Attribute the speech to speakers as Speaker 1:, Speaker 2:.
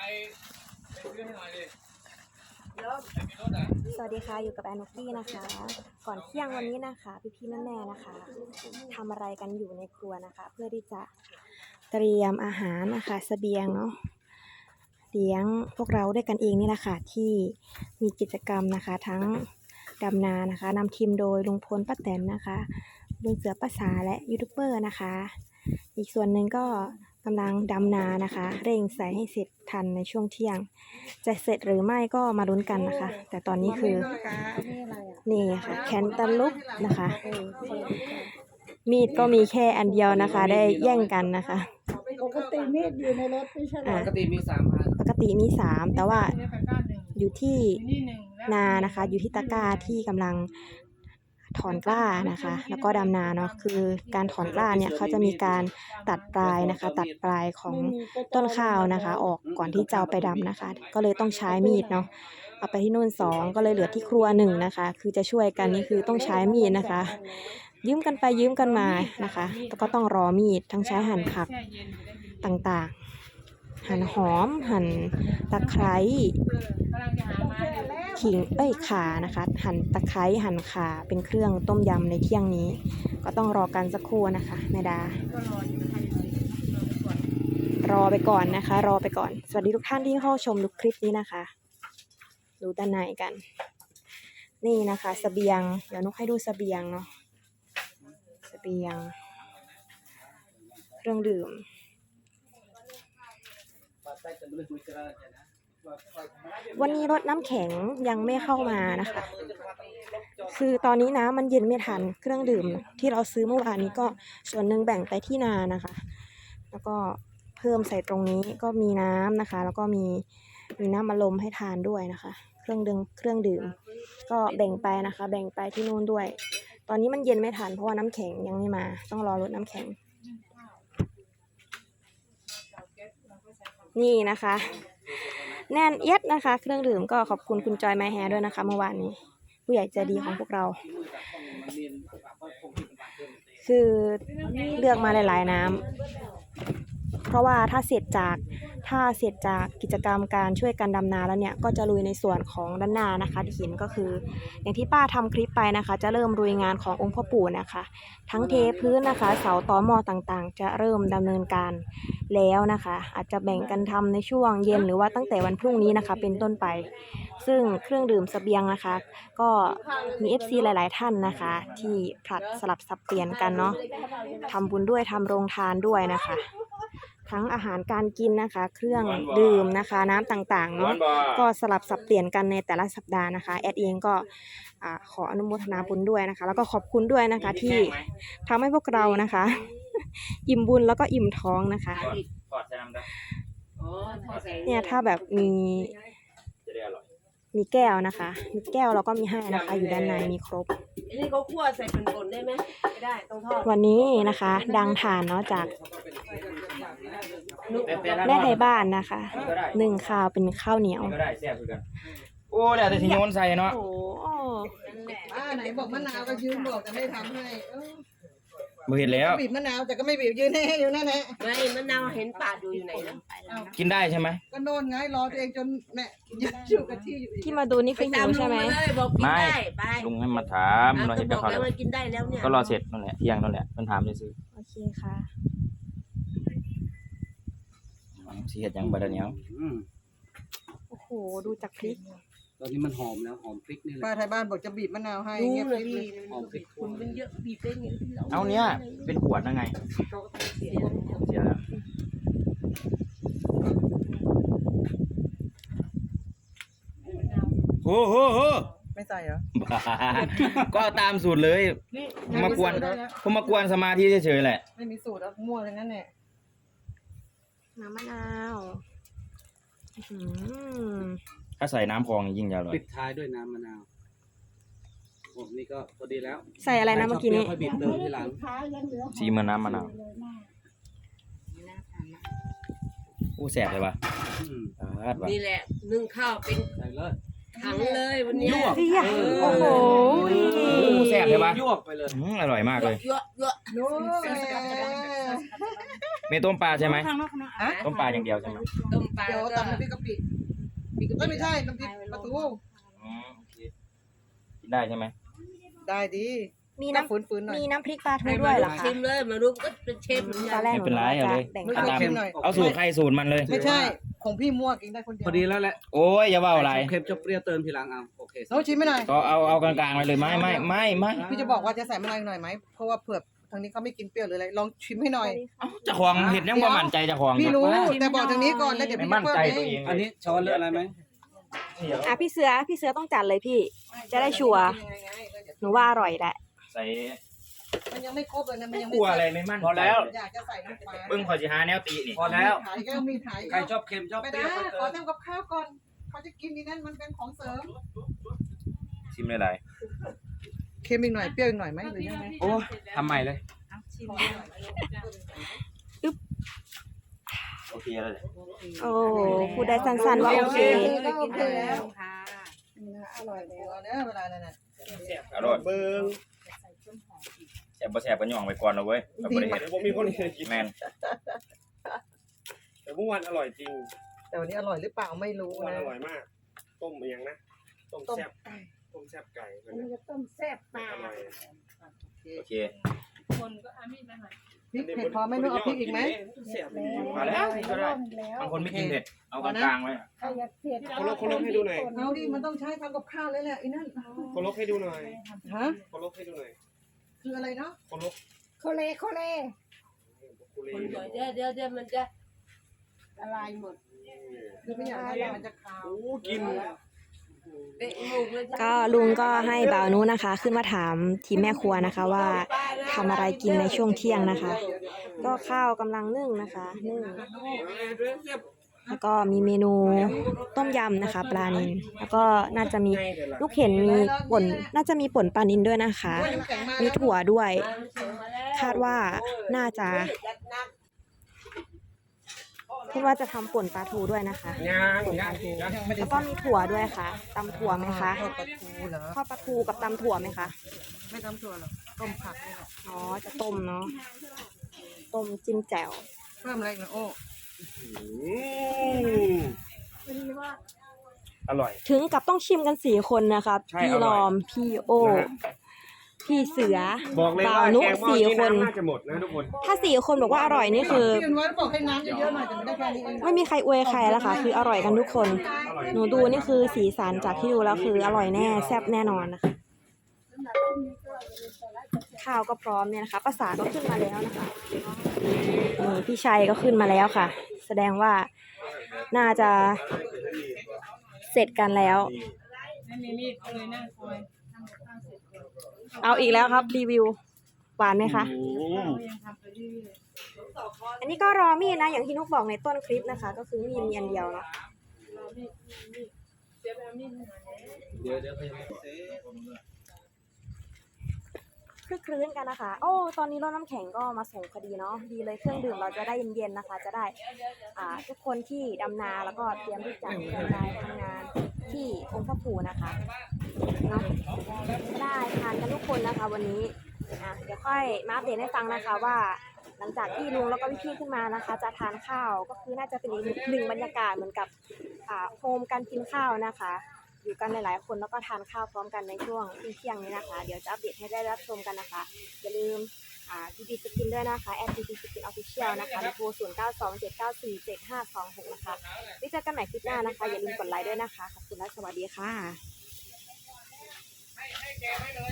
Speaker 1: สวัสดีค่ะอยู่กับแอนนกกี้นะคะ ก่อนเที่ยงวันนี้นะคะพี่ๆแม่ๆนะคะทำอะไรกันอยู่ในครัวนะคะ เพื่อที่จะเตรียมอาหารนะคะเสบียงเนาะเลี้ยงพวกเราด้วยกันเองนี่แหละค่ะที่มีกิจกรรมนะคะทั้งดำนานะคะนำทีมโดยลุงพลป้าแตนนะคะลุงเสือป้าสาและยูทูบเบอร์นะคะอีกส่วนหนึ่งก็กำลังดำนานะคะเร่งใส่ให้เสร็จทันในช่วงเที่ยงจะเสร็จหรือไม่ก็มาลุ้นกันนะคะแต่ตอนนี้คือนี่ค่ะแคนตาลูปนะคะมีดก็มีแค่อันเดียวนะคะได้แย่งกันนะคะ
Speaker 2: ปกติมีดอยู่ในรถไม่ใช่หรอ
Speaker 3: ปกติมี3 อัน
Speaker 1: ปกติมี3แต่ว่าอยู่ที่นานะคะอยู่ที่ตะกร้าที่กำลังถอนกล้านะคะแล้วก็ดำนาเนาะคือการถอนกล้าเนี่ยเขาจะมีการตัดปลายนะคะตัดปลายของต้นข้าวนะคะออกก่อนที่จะเอาไปดำนะคะก็เลยต้องใช้มีดเนาะเอาไปที่นู่น2ก็เลยเหลือที่ครัว1นะคะคือจะช่วยกันนี่คือต้องใช้มีดนะคะยืมกันไปยืมกันมานะคะแล้วก็ต้องรอมีดทั้งใช้หั่นผักต่างๆหั่นหอมหั่นตะไคร้ขิงข่านะคะหั่นตะไคร้หั่นข่าเป็นเครื่องต้มยำในเที่ยงนี้ก็ต้องรอกันสักครู่นะคะแม่ดารอไปก่อนนะคะรอไปก่อนสวัสดีทุกท่านที่เข้าชมดูคลิปนี้นะคะดูด้านในกันนี่นะคะเสบียงเดี๋ยวนุกให้ดูเสบียงเนาะเสบียงเครื่องดื่มวันนี้รถน้ำแข็งยังไม่เข้ามานะคะคือตอนนี้น้ำมันเย็นไม่ทันเครื่องดื่มที่เราซื้อเมื่อวานนี้ก็ส่วนหนึ่งแบ่งไปที่นานะคะแล้วก็เพิ่มใส่ตรงนี้ก็มีน้ำนะคะแล้วก็มีน้ำอัดลมให้ทานด้วยนะคะเครื่องดื่มก็แบ่งไปนะคะแบ่งไปที่นู่นด้วยตอนนี้มันเย็นไม่ทันเพราะว่าน้ำแข็งยังไม่มาต้องรอรถน้ำแข็งนี่นะคะแน่นเอียดนะคะเครื่องดื่มก็ขอบคุณคุณจอยไมแฮร์ด้วยนะคะเมื่อวานนี้ผู้ใหญ่ใจดีของพวกเราคือเลือกมาหลายๆน้ำเพราะว่าถ้าเสร็จจากกิจกรรมการช่วยกันดำนาแล้วเนี่ยก็จะลุยในส่วนของด้านหน้านะคะที่เห็นก็คืออย่างที่ป้าทำคลิปไปนะคะจะเริ่มลุยงานขององค์พ่อปู่นะคะทั้งเทพื้นนะคะเสาตอหม้อต่างๆจะเริ่มดำเนินการแล้วนะคะอาจจะแบ่งกันทำในช่วงเย็นหรือว่าตั้งแต่วันพรุ่งนี้นะคะเป็นต้นไปซึ่งเครื่องดื่มเสบียงนะคะก็มี FC หลายๆท่านนะคะที่ผลัดสลับสับเปลี่ยนกันเนาะทำบุญด้วยทำโรงทานด้วยนะคะทั้งอาหารการกินนะคะเครื่องดื่มนะคะน้ำต่างๆเนาะก็สลับสับเปลี่ยนกันในแต่ละสัปดาห์นะคะแอดเองก็ขออนุโมทนาบุญด้วยนะคะแล้วก็ขอบคุณด้วยนะคะที่ทำให้พวกเรานะคะอิ่มบุญแล้วก็อิ่มท้องนะคะเนี่ยถ้าแบบมีแก้วนะคะมีแก้วเราก็มีให้นะคะอยู่ด้านในมีครบ
Speaker 2: นี่เขาคั่วใส่เป็นผลได้ไหมไม่ได้ต้องทอด
Speaker 1: วันนี้นะคะดังทานเนาะจากแม่ไทยบ้านนะคะ1ข้าวเป็นข้าวเหนียว
Speaker 3: ก็ได้แซ่บเหมือนกันโอ้แล้วแต่ที่โยนใส่เนาะ
Speaker 1: โอ้
Speaker 2: ไหนบอกมะนาวก็ยืนบอกจะไม่ทำให้
Speaker 3: บ่เห็นแล้ว
Speaker 2: บีบมะนาวแต่ก็ไม่บีบยืนให้อยู่นั่นแหละ
Speaker 4: ไม่มะนาวเห็นปาดอยู่ไหนนะ
Speaker 3: กินได้ใช่ไหม
Speaker 2: ก็โน่นไงรอตัวเองจนแม่ยืนอยู่กับที่
Speaker 1: ที่มาดูนี่คือหิวใช่ไหม
Speaker 3: ไม่ลุงให้มาถามเราเห็นกับเขา
Speaker 4: แล้วกินได้แล้วเนี่ย
Speaker 3: ก็รอเสร็จนั่นแหละเที่ยงนั่นแหละมันถามได้ซื้อ
Speaker 1: โอเคค่ะ
Speaker 3: สิเฮ็ดหยังบ่ได้เหนียว
Speaker 1: โอ้โหดูจากพริก
Speaker 3: ตอนนี้มันหอมแล้วหอมพริกนี่แหละ
Speaker 2: ป้าไทยบ้านบอกจะบีบมะนาวให้เงียบเลย
Speaker 3: หอมพริก
Speaker 4: คุณเป็นเยอะบีบได้ไง
Speaker 3: เอาเนี้ยเป็นขวดนะไงเสียแล้วโอ้โห
Speaker 2: ไม่ใส่เหรอ
Speaker 3: ก็ตามสูตรเลยมากวนสมาธิเฉยๆแหละ
Speaker 2: ไม่มีสูตรเอามั่วอย่างนั้นแหละ
Speaker 1: น้ำมะนาว
Speaker 3: ถ้าใส่น้ำคลองยิ่งจะอร่อย
Speaker 5: ปิดท้ายด้วยน้ำมะนาวโอ้นี่ก็พอดีแล้ว
Speaker 1: ใส่อะไรนะเมื่อกี้นี้
Speaker 5: ค่อยบีบเติมทีหลัง
Speaker 3: ซีเหมือนน้ำมะนาวอู้แสบเลยป่ะ
Speaker 4: นี่แหละนึ่งข้าวเป็น
Speaker 5: ใส่เลย
Speaker 4: ถังเลยวันนี้
Speaker 1: โอ้โห
Speaker 3: แสบเลยป่ะ
Speaker 5: ยวกไปเลย
Speaker 3: อร่อยมากเลย
Speaker 4: เยอะ
Speaker 3: มีต้มปลาใช่ไหม
Speaker 2: ฮะ
Speaker 3: ต้มปลาอย่างเดียวใช่ไหม
Speaker 4: ต้มปลา
Speaker 2: เดี๋ยว
Speaker 4: ก็
Speaker 2: ตำน้ำพริกกะปิไม่ใช่น้ำพริกปลาทู
Speaker 3: อ๋อโอเคกินได้ใช่ไหม
Speaker 2: ได้ดี
Speaker 1: มี
Speaker 2: น้ำ
Speaker 1: น้ำ
Speaker 2: ฝืนๆหน่อย
Speaker 1: มีน้ำพริกปลาทู
Speaker 4: ให้
Speaker 1: ด้
Speaker 4: มา
Speaker 1: วยเหร
Speaker 4: ดู
Speaker 1: อคะ
Speaker 4: ชิมเลยมาดูก็เป็นเชฟเหมือน
Speaker 1: ต
Speaker 4: กั
Speaker 1: อน นแรก
Speaker 3: ไม่เป็นไรเอาเลย
Speaker 1: แบ่ง
Speaker 2: ไม่
Speaker 3: เอา
Speaker 2: เคย
Speaker 3: ตาม
Speaker 2: ชิมหน่อย
Speaker 3: เอาสูตรใครสูตรมันเลย
Speaker 2: ไม่ใช่ของพี่มั่วกินได้คนเดียว
Speaker 5: พอดีแล้วแหละ
Speaker 3: โอ้ยอย่าว่าอะไร
Speaker 5: เค็มจะเปรี้ยวเติมทีหลังเอาโอเค
Speaker 2: น้องชิมไม่หน่อย
Speaker 3: ก็เอากลางๆไปเลยไม่
Speaker 2: พี่จะบอกว่าจะใส่มะนาวหน่อยไหมเพราะว่าเผื่อทางนี้เขาไม่กินเปรี้ยวหรืออะไรลองชิมให้หน่อย
Speaker 3: เจะของเห็ดยังบ่มั่นใจเจะของ
Speaker 2: พี่รู้แต่บอกทางนี้ก่อนแล้วเดี๋ยว
Speaker 3: ไม่
Speaker 2: พี่
Speaker 3: มั่น
Speaker 2: เพิ่ม
Speaker 3: ใจ
Speaker 2: เอ
Speaker 3: ตัว
Speaker 2: ง
Speaker 3: เอง
Speaker 5: อันนี้ช้อนหรืออะไรไหม
Speaker 1: อ่ะพี่เสือต้องจัดเลยพี่ จะได้ชัวร์หนูว่าอร่อยแหละ
Speaker 3: ใส่
Speaker 2: มันยังไม่ครบเลยนะมันยัง
Speaker 3: กลัวอะไรไม่มั่น
Speaker 5: พอแล้ว
Speaker 2: อยากจะใส่น้ำปลา
Speaker 3: เบิ้งขอสิหาแนวตีนี่
Speaker 5: พอแล้ว
Speaker 2: ถ่ายก็มีถ่าย
Speaker 5: ใครชอบเค็มชอบ
Speaker 2: ไม่
Speaker 5: เป
Speaker 2: ได้
Speaker 5: รี้ยวก็
Speaker 2: ขอ
Speaker 5: เติม
Speaker 2: ทำกับข้าวก่อนเขาจะกินนี่นั่นมันเป็นของเสริม
Speaker 3: ชิมหลาย
Speaker 2: เค็มอีกหน่อยเปรี้ยวอีกหน่อยไหมหรือยังไง
Speaker 3: ๆโอ้ทำใหม่เลยโอเคแล้วเลย
Speaker 1: โอ้พูดได้สั้นๆว่าโอเค
Speaker 2: ก็โอเคแล้วค่ะอร่อยแล้วเนี่ยเวลานั้นน่ะ
Speaker 3: อร่อยเบิ้งแซ่บบ่แซ่บก็ย่องไปก่อนเอาเว้ยเราบ่ได้เห็น
Speaker 6: ผมมีคนเคยกิน
Speaker 3: แมน
Speaker 6: แต่เมื่อวานอร่อยจริง
Speaker 2: แต่วันนี้อร่อยหรือเปล่าไม่รู้
Speaker 6: เมื่อวาน
Speaker 2: นะ
Speaker 6: อร่อยมาก ต้มอย่างนะ ต้มแซ่บต้มแซ่บไก่มัน
Speaker 2: จะต้มแซ่บปลา
Speaker 6: อร่อย
Speaker 3: โอเค
Speaker 2: พริกเผ็ดพอไหม่ต้องเอาพริกอีกไหม
Speaker 6: แซ่บ
Speaker 3: มาแล้วนี่ก็ได้บางคนไม่กินเผ็ดเอากลางๆไว้
Speaker 6: คนลกให้ดูหน่อย
Speaker 2: เอาดิมันต้องใช้ทำกับข้าวเลยแหละไอ้นั่น
Speaker 6: คนลกให้ดูหน่อย
Speaker 2: ฮะ
Speaker 6: คนลกให้ดูหน่อย
Speaker 2: คืออะไรเนาะ
Speaker 6: คนลก
Speaker 2: โคเล
Speaker 6: กุเล
Speaker 4: เดี๋ยวมันจะละลายหมด
Speaker 2: คือไม่อยากให้มันจะคาว
Speaker 6: โอ้กิน
Speaker 4: เตะหมูกเลย
Speaker 1: ก็ลุงก็ให้บ่าวนุนะคะ ขึ้นมาถามทีมแม่ครัวนะคะว่าทำอะไรกินในช่วงเที่ยงนะคะ ก็ข้าวกำลังนึ่งนะคะนึ่งแล้วก็มีเมนูต้มยำนะคะ ปลานิลแล้วก็น่าจะมีลูกเห็นมีป่นน่าจะมีป่นปลานิลด้วยนะคะ มีถั่วด้วย คาดว่าน่าจะคิดว่าจะทำป่นปลาทูด้วยนะคะ แล้วก็มีถั่วด้วยค่ะตำถั่วไหมคะ
Speaker 2: ทอดปลาทูเหรอ
Speaker 1: ทอดปลาทูกับตำถั่วไหมคะ
Speaker 2: ไม่ทำถั่วหรอกต้มผักนี่แหละ
Speaker 1: อ๋อ จะต้มเนาะ ต้มจิ้มแจ่ว
Speaker 2: เพิ่มอะไรอีกนะโอ้
Speaker 6: อร่อย
Speaker 1: ถึงกับต้องชิมกัน4 คนนะครับ
Speaker 6: ใช่
Speaker 1: พี่
Speaker 6: อร่
Speaker 1: ร
Speaker 6: อย
Speaker 1: อม พี่โอ
Speaker 6: นะฮะ
Speaker 1: พี่เสือ
Speaker 6: บอกเลย
Speaker 1: บ่า
Speaker 6: ว่าว
Speaker 1: นุ
Speaker 6: แกงหม้อ
Speaker 1: สี่
Speaker 6: นี้
Speaker 1: คน
Speaker 6: น้ำน่าจะหมดนะทุกคน
Speaker 1: ถ้า4 คนบอกว่าอร่อยนี่คือ
Speaker 2: พี่อนวัฒน์บอกให้น้ำเยอะๆหน่อยแต่ไม่ได้แค่นี้เอง
Speaker 1: ไม่มีใครอวยใครแล้วค่ะ คืออร่อยกันทุกคน
Speaker 6: อร่อย
Speaker 1: หนูดูนี่คือสีสันจากที่ดูแล้วคืออร่อยแน่แซ่บแน่นอนนะคะ ข้าวก็พร้อมเนี่ยนะคะภาษาก็ขึ้นมาแล้วนะคะนี่พี่ชัยก็ขึ้นมาแล้วค่ะ แสดงว่าน่าจะเสร็จกันแล้ว เอาอีกแล้วครับรีวิวหวานไหมคะ อันนี้ก็รอมีดนะอย่างที่นุกบอกในต้นคลิปนะคะ ก็คือมีดมีอันเดียวเนาะ
Speaker 5: เดี๋ยว
Speaker 1: คลึกคลื้นกันนะคะ โอ้ตอนนี้รถน้ำแข็งก็มาส่งพอดีเนาะดีเลยเครื่องดื่มเราจะได้เย็นๆนะคะ จะได้ทุกคนที่ดำนาแล้วก็เตรียมที่จะไปทำงานที่องค์พระปู่นะคะเนาะได้ทานกันทุกคนนะคะ วันนี้เดี๋ยวค่อยมาอัปเดตให้ฟังนะคะว่า หลังจากที่ลุงแล้วก็พี่ๆขึ้นมานะคะ จะทานข้าวก็คือน่าจะเป็นอีกหนึ่งบรรยากาศเหมือนกับโฮมการกินข้าวนะคะ อยู่กันหลายๆคนแล้วก็ทานข้าวพร้อมกันในช่วงเที่ยงนี้นะคะ เดี๋ยวจะอัปเดตให้ได้รับชมกันนะคะ อย่าลืมDB Skin ด้วยนะคะ@DB Skin Official นะคะโทร0927947526นะคะไว้เจอกันใหม่คลิปหน้านะคะ อย่าลืมกดไลค์ด้วยนะคะ ขอบคุณและสวัสดีค่ะ